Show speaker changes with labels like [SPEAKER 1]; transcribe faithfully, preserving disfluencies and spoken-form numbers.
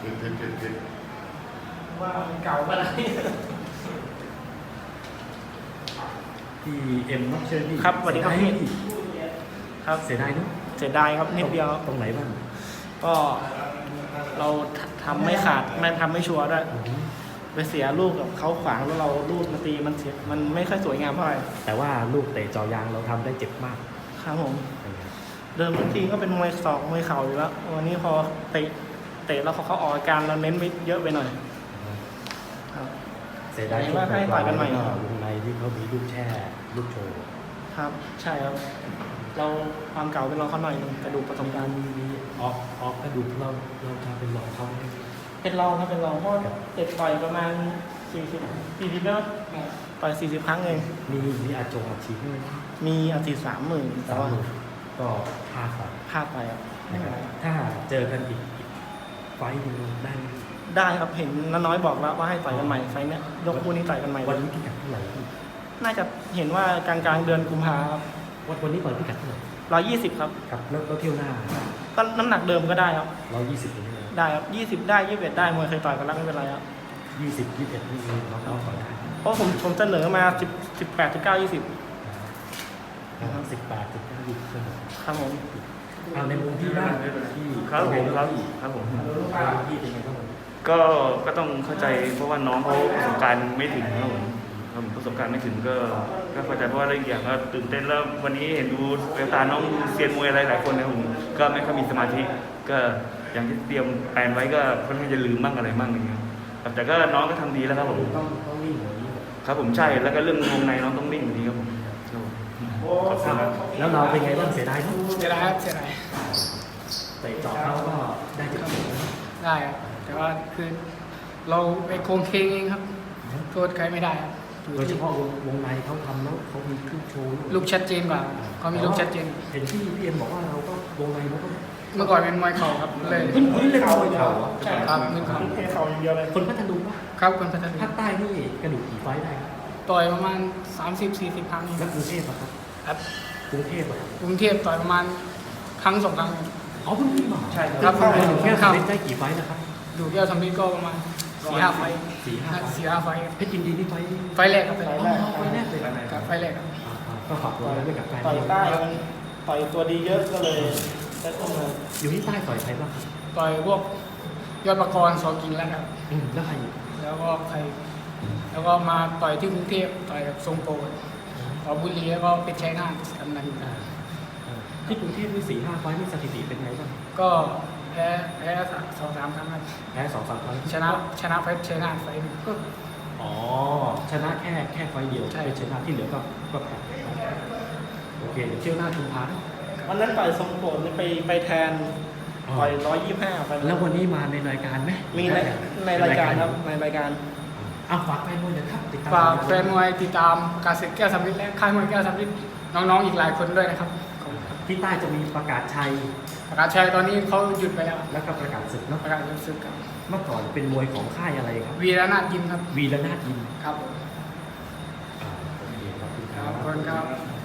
[SPEAKER 1] ขึ้นขึ้นขึ้นขึ้น
[SPEAKER 2] ว่ามันเก่าไปแล้ว
[SPEAKER 3] พี่เอ็มต้องเชิญพี่
[SPEAKER 2] ครับสวัสดีครับพี่ ครับ
[SPEAKER 3] เสียดายเนอะ
[SPEAKER 2] เสียดายครับนิดเดียว
[SPEAKER 3] ตรงไหนบ้าง
[SPEAKER 2] ก็เราทำไม่ขาดไม่ทำไม่ชัวร์ด้วย
[SPEAKER 3] อือฮึ
[SPEAKER 2] ไปเสียลูกกับเขาขวางแล้วเราลูกมาตีมันเสียมันไม่ค่อยสวยงามเท่าไหร่
[SPEAKER 3] แต่ว่าลูกเตะจอยางเราทำได้เจ็บมาก
[SPEAKER 2] ครับผม
[SPEAKER 3] นะครับ
[SPEAKER 2] เดิมทีก็เป็นมวยศอกมวยเข่าอยู่แล้ววันนี้พอเตะเตะแล้วเขาเขาออกอาการเราเน้นไปเยอะไปหน่อยครับ
[SPEAKER 3] เสียดาย
[SPEAKER 2] ว่าให้ต่อยกันใหม่
[SPEAKER 3] ก็วงในที่เขามีลูกแช่ลูกโชว์
[SPEAKER 2] ครับ ใช่ครับ เราความเก่าเป็นเราเขาหน่อยหนึงกระดูกประสบการณ์
[SPEAKER 3] มีมีออกออกกระดูกเราเราทำเป็นรองเขาไหม
[SPEAKER 2] เป็นรองครับเป็นรองเพราะเตะต่อยประมาณสี่สิบสี่สิบแล้วต่อยสี่สิบครั้งเอง
[SPEAKER 3] มีมีอาจงอาชีพด้วยนะ
[SPEAKER 2] มีอาทิตย์สามหมื่นแต่
[SPEAKER 3] สาม
[SPEAKER 2] ว่า
[SPEAKER 3] หมื่นก็พลาดไป
[SPEAKER 2] พลาดไปครับไม่เป็นไร
[SPEAKER 3] ถ้าเจอกันอีกอีกไฟต์หนึงได้ไหม
[SPEAKER 2] ได้ครับเห็นน้าน้อยบอกแล้วว่าให้ต่อยกันใหม่ไฟล์เนี้ยยกคู่นี้ต่อยกันใหม่
[SPEAKER 3] วันนี้พิกัดเท่าไหร่พี่
[SPEAKER 2] น่าจะเห็นว่ากลางกลางๆเดือนกุมภาครับ
[SPEAKER 3] วันวันนี้ต่อยพิกัดเท่าไหร่
[SPEAKER 2] ร้อยยี่สิบครับ
[SPEAKER 3] ครับแล้วแล้วเที่ยวหน้า
[SPEAKER 2] ก็น้ำหนักเดิมก็ได้ครับ
[SPEAKER 3] ร้อยยี่สิบนี่นะ
[SPEAKER 2] ได้ครับยี่สิบได้ยี่สิบเอ็ดได้มวยเคยต่อยกันแล้วไม่เป็นไรครับ
[SPEAKER 3] ยี่สิบยี่สิบเอ็ดนี่น้องน้องต่อยได้
[SPEAKER 2] เพราะผมผมเสนอมาสิบสิบแปดสิบเก้ายี่สิบ
[SPEAKER 3] สิบแปดสิบเก้ายี่สิบ
[SPEAKER 2] ครับผม
[SPEAKER 3] เอาในมุมที่บ้านที่
[SPEAKER 4] ครับผมครับครับผม
[SPEAKER 3] ที่เป็นไงบ้างวันนี้
[SPEAKER 4] ก็ก็ต้องเข้าใจเพราะว่าน้องเขาประสบการณ์ไม่ถึงครับผมครับผมประสบการณ์ไม่ถึงก็ก็เข้าใจเพราะว่าเรื่องอย่างก็ตื่นเต้นแล้ววันนี้เห็นดูแววตาน้องดูเซียนมวยอะไรหลายคนนะครับผมก็ไม่ค่อยมีสมาธิก็อย่างที่เตรียมแผนไว้ก็ค่อนข้างจะลืมบ้างอะไรบ้างอย่างเงี้ยครับแต่ก็น้องก็ทำดีแล้วครับผม
[SPEAKER 3] ต้องต้องวิ่งหัวนี้
[SPEAKER 4] ครับผมใช่แล้วก็เรื่องวงในน้องต้องนิ่งดีครับผมครับผมขอบคุณครับ
[SPEAKER 3] แล้วเราเป็นไงบ้างเสียดายเนอะ
[SPEAKER 2] เสียดายครับเสียดาย
[SPEAKER 3] เตะเจาะเขาก็ได้เจ็บปวดนะ
[SPEAKER 5] ได้ครับแต่ว่าคือเราไปโกงเคงเองครับโทษใครไม่ได้ครับอยู่
[SPEAKER 3] โดยเฉ
[SPEAKER 5] ที่
[SPEAKER 3] พาะวงวงในเขาทำแล้วเขามีลูกโชว์
[SPEAKER 5] ลูกชัดเจนกว่าเขามีลูกชัดเจน
[SPEAKER 3] เห็นที่พี่เอ็มบอกว่าเราก็วงในเราก็
[SPEAKER 5] เมื่อก่อนเป็นมวยเข่าครับเลย
[SPEAKER 3] พื้นพื้นเลยเขาเลยเขา
[SPEAKER 5] ใช่ครับมือเข่า
[SPEAKER 2] เทเข่าอย่างเดียวเลย
[SPEAKER 3] คนพัทลุงปะ
[SPEAKER 5] ครับคนพัฒนา
[SPEAKER 3] ภาคใต้นี่กระดูกกี่ไฟต์ได้ครับ
[SPEAKER 5] ต่อยประมาณ สามสิบสี่สิบ ครั้ง
[SPEAKER 3] แล้วกรุงเทพอะครับ
[SPEAKER 5] ครับ
[SPEAKER 3] กรุงเทพอะ
[SPEAKER 5] กรุงเทพต่อยประมาณครั้งสองครั้ง
[SPEAKER 3] อ๋อเพิ่งขึ้นมา
[SPEAKER 2] ใช่
[SPEAKER 5] ครับ
[SPEAKER 3] เข้าไปอยู่แค่สามสิบได้กี่ไฟต์นะครับ
[SPEAKER 5] ดูแก้วทำนิดก็ประมาณสี่ห้าไฟล์
[SPEAKER 3] สี่ห้าไฟต์
[SPEAKER 5] สี่ห้าไฟล์
[SPEAKER 3] เพชรยินดีนี่ไฟต์
[SPEAKER 5] ไฟล์แรกครับไฟล์แรก
[SPEAKER 3] อ๋อไฟต์แรกเลย
[SPEAKER 5] ครับไฟล์แรกครับ
[SPEAKER 3] อ่าอ่าก็ฝากตัวไว้ด้วยกับแฟน
[SPEAKER 2] ต่อยใต้มันต่อยตัวดีเยอะก็เลยได้ขึ้นมา
[SPEAKER 3] อยู่ที่ใต้ต่อยใครบ้างครับ
[SPEAKER 5] ต่อยพวกยอดประกรณ์สอกินแล้วครับ
[SPEAKER 3] อืมแล้วใครอีก
[SPEAKER 5] แล้วก็ใคร แล้วก็มาต่อยที่กรุงเทพต่อยกับทรงโปรต่อบุรีแล้วก็เป็นชัยนาทกำนัน
[SPEAKER 3] อ่าอ่าที่กรุงเทพนี่สี่ห้าไฟต์นี่สถิติเป็นไงบ้าง
[SPEAKER 5] ก็แพ้แพ้สองสามครั้งครับ
[SPEAKER 3] แพ้สองสามครั้ง
[SPEAKER 5] ชนะชนะไฟชัยนาทไฟหนึ่ง
[SPEAKER 3] ก็อ๋อชนะแค่แค่ไฟต์เดียว
[SPEAKER 5] ใช่
[SPEAKER 3] เป็นชนะที่เหลือก็ก็แพ้โอเคเดี๋ยวเที่ยวหน้าชุมพานะ
[SPEAKER 2] วันนั้นต่อยทรงโปรดนี่ไปไปแทนต่อยร้อยยี่สิบห้าไป
[SPEAKER 3] แล้ววันนี้มาในรายการไหม
[SPEAKER 2] มีในในรายการครับในรายการ
[SPEAKER 3] อ้าวฝากแฟนมวยหนะครับติดตาม
[SPEAKER 5] ฝากแฟนมวยติดตามการศึกแก้วสำริดและค่ายมวยแก้วสำริดน้องๆอีกหลายคนด้วยนะครับขอบคุณครับ
[SPEAKER 3] ที่ใต้จะมีประกาศชัย
[SPEAKER 5] ประกาศชัยตอนนี้เขาหยุดไปแล้ว
[SPEAKER 3] แล้วก็ประกาศศึกเนาะ
[SPEAKER 5] ประกาศหยุดศึกครับ
[SPEAKER 3] เมื่อก่อนเป็นมวยของค่ายอะไรครับ
[SPEAKER 5] วีรนาถยิมครับ
[SPEAKER 3] วีรนาถยิม
[SPEAKER 5] ครับผม
[SPEAKER 3] อ่าโอเคขอบคุณค
[SPEAKER 5] ค
[SPEAKER 3] รั
[SPEAKER 5] รับบ ขอบคุณครับ